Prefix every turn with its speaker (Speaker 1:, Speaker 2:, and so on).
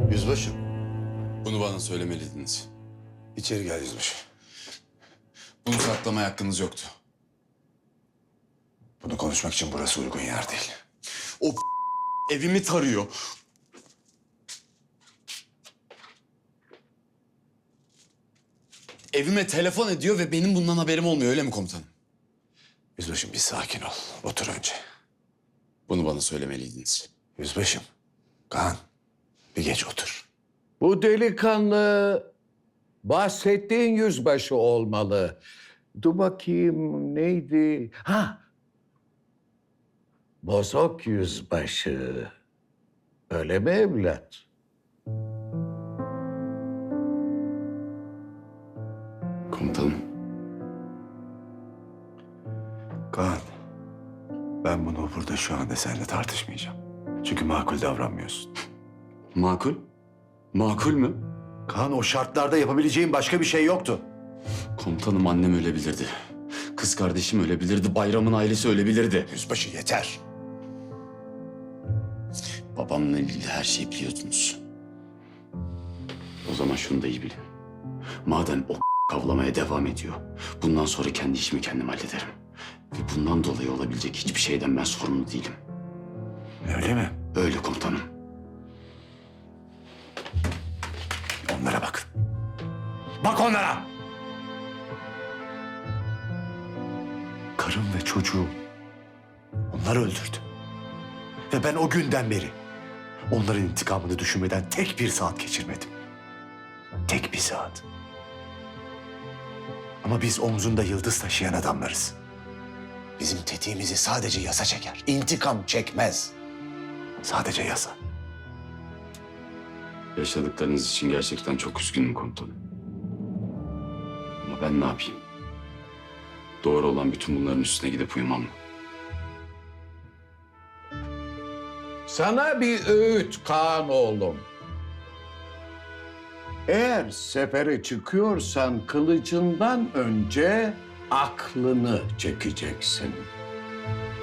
Speaker 1: Yüzbaşım,
Speaker 2: Bunu bana söylemeliydiniz.
Speaker 1: içeri gel yüzbaşı.
Speaker 2: Bunu saklamaya hakkınız yoktu.
Speaker 1: Bunu konuşmak için burası uygun yer değil.
Speaker 2: O evimi tarıyor. Evime telefon ediyor ve benim bundan haberim olmuyor, öyle mi komutanım?
Speaker 1: Yüzbaşım bir sakin ol. Otur önce.
Speaker 2: Bunu bana söylemeliydiniz.
Speaker 1: Yüzbaşım, Kaan bir geç otur.
Speaker 3: Bu delikanlı bahsettiğin yüzbaşı olmalı. Dur bakayım neydi? Bozok yüzbaşı. Öyle mi evlat?
Speaker 2: Komutanım.
Speaker 1: Kaan, ben bunu burada şu anda seninle tartışmayacağım. Çünkü makul davranmıyorsun.
Speaker 2: Makul? Makul mü?
Speaker 1: Kaan, o şartlarda yapabileceğin başka bir şey yoktu.
Speaker 2: Komutanım, annem ölebilirdi. Kız kardeşim ölebilirdi. Bayram'ın ailesi ölebilirdi.
Speaker 1: Yüzbaşı yeter.
Speaker 2: Babamla ilgili her şeyi biliyordunuz. O zaman şunu da iyi bilin. Madem o kavlamaya devam ediyor, bundan sonra kendi işimi kendim hallederim. Ve bundan dolayı olabilecek hiçbir şeyden ben sorumlu değilim.
Speaker 1: Öyle mi?
Speaker 2: Öyle komutanım.
Speaker 1: Onlara bak. Bak onlara! Karım ve çocuğum onları öldürdü. Ve ben o günden beri onların intikamını düşünmeden tek bir saat geçirmedim. Tek bir saat. Ama biz omzunda yıldız taşıyan adamlarız. Bizim tetiğimizi sadece yasa çeker. İntikam çekmez. Sadece yasa.
Speaker 2: Yaşadıklarınız için gerçekten çok üzgünüm komutanım. Ama ben ne yapayım? Doğru olan bütün bunların üstüne gidip uyumam mı?
Speaker 3: Sana bir öğüt Kaan oğlum. Eğer sefere çıkıyorsan kılıcından önce aklını çekeceksin.